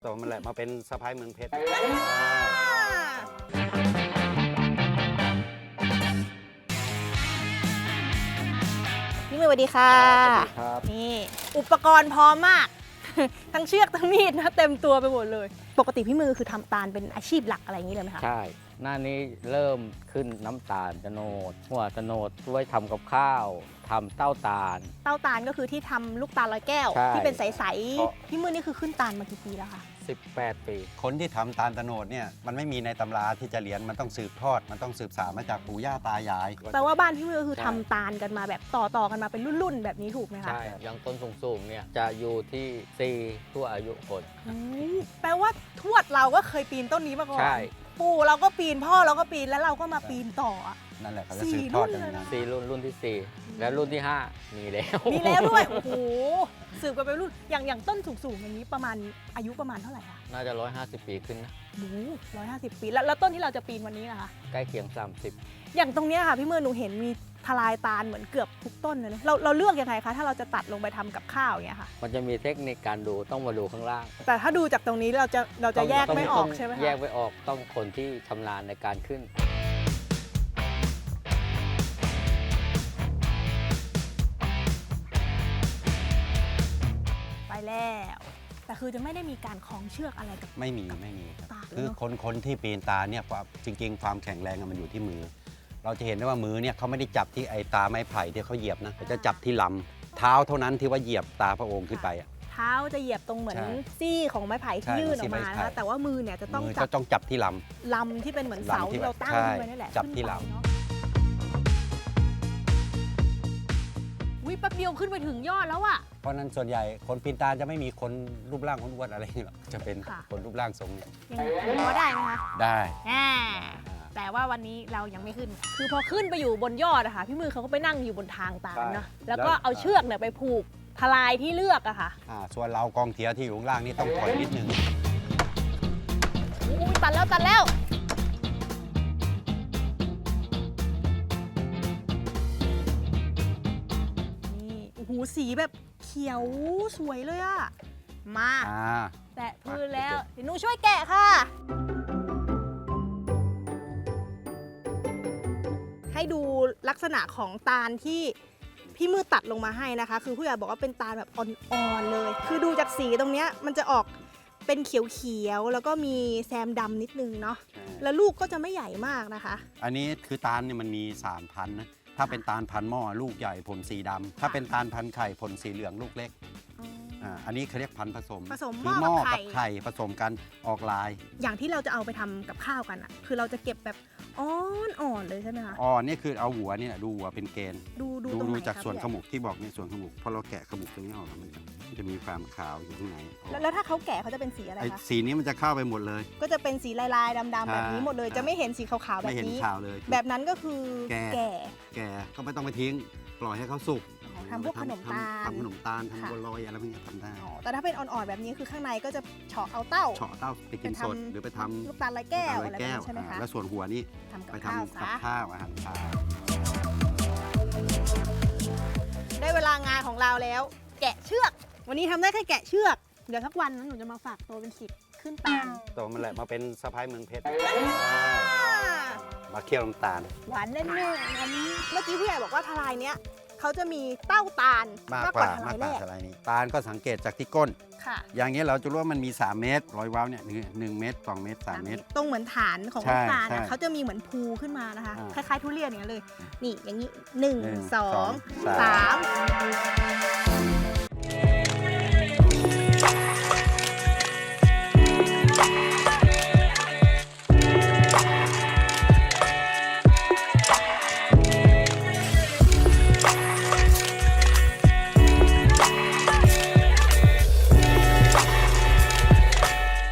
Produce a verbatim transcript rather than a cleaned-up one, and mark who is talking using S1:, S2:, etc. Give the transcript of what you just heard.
S1: ตัวมันแหละมาเป็นสะพ้ายเมืองเพชร
S2: พี่มือสวัสดีค่ะครับนี่อุปกรณ์พร้อมมาก ทั้งเชือกทั้งมีดนะเต็มตัวไปหมดเลยปกติพี่มือคือทำตาลเป็นอาชีพหลักอะไรอย่างนี้เลยไหมคะ
S3: ใช่หน้านี้เริ่มขึ้นน้ำตาลโตนดหัวโตนดไว้ทำกับข้าวทำเต้าตาล
S2: เต้าตาลก็คือที่ทำลูกตาลร้อยแก้วที่เป็นใสๆพี่มือนี่คือขึ้นตาลมากี่ปีแล้วคะ
S3: สิบแปดปี
S1: คนที่ทำตาลโตนดเนี่ยมันไม่มีในตำราที่จะเรียนมันต้องสืบทอดมันต้องสืบสานมาจากปู่ย่าตายาย
S2: แปลว่าบ้านพี่มือคือทำตาลกันมาแบบต่อๆกันมาเป็นรุ่นๆแบบนี้ถูกไหมคะ
S3: ใช่อย่างต้นสูงๆเนี่ยจะอยู่ที่สี่ทั่วอายุคน
S2: แปลว่าทวดเราก็เคยปีนต้นนี้มาก่อน
S3: ใช่
S2: ปู่เราก็ปีนพ่อเราก็ปีนแล้วเราก็มาปีนต่อ
S1: นั่นแหละเขาจะสืบทอดกันนะ
S3: สี่รุ่นรุ่นที่สี่แล้วรุ่นที่ห้ามีแล้ว
S2: มีแล้วด้วยโอ้โหสืบกันไปรุ่นอย่างอย่างต้นสูงๆอย่างนี้ประมาณอายุประมาณเท่าไหร่คะ
S3: น่าจะร้อยห้าสิบปีขึ้นนะ
S2: โอ้ร้อยห้าสิบปีแล้วแล้วต้นที่เราจะปีนวันนี้นะคะ
S3: ใกล้เคียงสามสิบ
S2: อย่างตรงนี้ค่ะพี่มือหนูเห็นมีทลายตาลเหมือนเกือบทุกต้นเลยเราเราเลือกยังไงคะถ้าเราจะตัดลงไปทำกับข้าวอย่างเงี้ยค่ะ
S3: มันจะมีเทคนิคการดูต้องมาดูข้างล่าง
S2: แต่ถ้าดูจากตรงนี้เราจะเราจะแยกไม่ออกใช่ไหมคะ
S3: แยกไม่ออกต้องคนที่ชำนาญในการขึ้น
S2: ไปแล้วแต่คือจะไม่ได้มีการคล้องเชือกอะไรกับ
S1: ไม่มีไม่มีครับคือคนคนที่ปีนตาเนี่ยจริงๆความแข็งแรงมันอยู่ที่มือเราจะเห็นได้ว่ามือเนี่ยเขาไม่ได้จับที่ไอ้ตาไม้ไผ่ที่เขาเหยียบนะเขาจะจับที่ลำเท้าเท่านั้นที่ว่าเหยียบตาพระองค์ขึ้นไปอ่ะ
S2: เท้าจะเหยียบตรงเหมือนซี่ของไม้ไผ่ที่ยื่นออกมานะคะแต่ว่ามือเนี่ยจะต้อง
S1: จับต้องจับที่ล
S2: ำลำที่เป็นเหมือนเสาที่เราตั้งขึ้นไว้นี่แหละ
S1: จับที่ลำ
S2: วิแป๊บเดียวขึ้นไปถึงยอดแล้วอ่ะ
S1: เพราะนั้นส่วนใหญ่คนปีนตาจะไม่มีคนรูปร่างอ้วนๆอะไรหรอกจะเป็นคนรูปร่างทรงเนี่ย
S2: ยังพอได้ไหมคะ
S1: ได้
S2: แต่ว่าวันนี้เรายังไม่ขึ้นคือพอขึ้นไปอยู่บนยอดอะค่ะพี่มือเขาก็ไปนั่งอยู่บนทางตาลเนาะแล้วก็เอาเชือกเนี่ยไปผูกทลายที่เลือกอะค่ะ
S1: ส่วนเรากองเทียที่อยู่ข้างล่างนี่ต้องถอยนิดนึง
S2: อุ้ยตัดแล้วตัดแล้วนี่โอ้โหสีแบบเขียวสวยเลยอะมาแตะพื้นแล้วเดี๋ยวหนูช่วยแกะค่ะให้ดูลักษณะของตาลที่พี่มือตัดลงมาให้นะคะคือผู้ใหญ่บอกว่าเป็นตาลแบบอ่อนๆเลยคือดูจากสีตรงเนี้ยมันจะออกเป็นเขียวๆแล้วก็มีแซมดำนิดนึงเนาะแล้วลูกก็จะไม่ใหญ่มากนะคะ
S1: อันนี้คือตาลเนี่ยมันมีสามพันนะถ้าเป็นตาลพันหม้อลูกใหญ่ผลสีดำถ้าเป็นตาลพันไข่ผลสีเหลืองลูกเล็กอันนี้เขาเรียกพันธุ์ผสม
S2: ผสม
S1: หม้อกับไข่ผสมกันออกลาย
S2: อย่างที่เราจะเอาไปทำกับข้าวกันอ่ะคือเราจะเก็บแบบอ่อนๆเลยใช่ไหมคะ
S1: อ่อนนี่คือเอาหัวเนี่ยดูหัวเป็นเกณฑ์
S2: ดูดู
S1: ดูจากส่วนขมุกที่บอกเนี่ยส่วนขมุกพอเราแกะขมุกตรงนี้ออกมันจะมีความขาวอยู่ข้างใน
S2: แล้วถ้าเขาแกะเขาจะเป็นสีอะไรคะ
S1: สีนี้มันจะเข้าไปหมดเลย
S2: ก็จะเป็นสีลายๆดำๆแบบนี้หมดเลยจะไม่เห็นสีขาวๆแบบนี้
S1: ไม่เห็นขาวเลย
S2: แบบนั้นก็คือแก่
S1: แก่ก็ไม่ต้องไปทิ้งปล่อยให้เขาสุก
S2: ทำพวกขนมตาล
S1: ทำขนมตาลทำบัวลอยอะไรพวกนี้ทำได้
S2: แต่ถ้าเป็นอ่อนๆแบบนี้คือข้างในก็จะเฉาะเอาเต้า
S1: เฉาะเต้าไปกินสดหรือไปทำ
S2: ลูกตาลลอยแก้วอะไรใช่ไหมคะ
S1: แล้วส่วนหัวนี่ไปทำกับข้าวอาหารเช้า
S2: ได้เวลางานของเราแล้วแกะเชือกวันนี้ทำได้แค่แกะเชือกเดี๋ยวสักวันนั้นหนูจะมาฝากตัวเป็นสิบขึ้นตาล
S1: ตัวมันแหละมาเป็นสะพ้ายเมืองเพชรมาเคี่ยวน้ำตาล
S2: หวานแน่ๆอันนี้เมื่อกี้ผู้ใหญ่บอกว่าทลายเนี้ยเขาจะมีเต้าตาล
S1: มากกว่าทลายแรกทลายนี้ตาลก็สังเกตจากที่ก้นอย่างนี้เราจะรู้ว่ามันมีสามเมตรร้อยว้าวเนี่ยหนึ่งเมตรสองเมตรสามเมตร
S2: ตรงเหมือนฐานของลูกตาลนะเขาจะมีเหมือนภูขึ้นมานะคะคล้ายๆทุเรียนอย่างนี้เลยนี่อย่างนี้หนึ่งสองสาม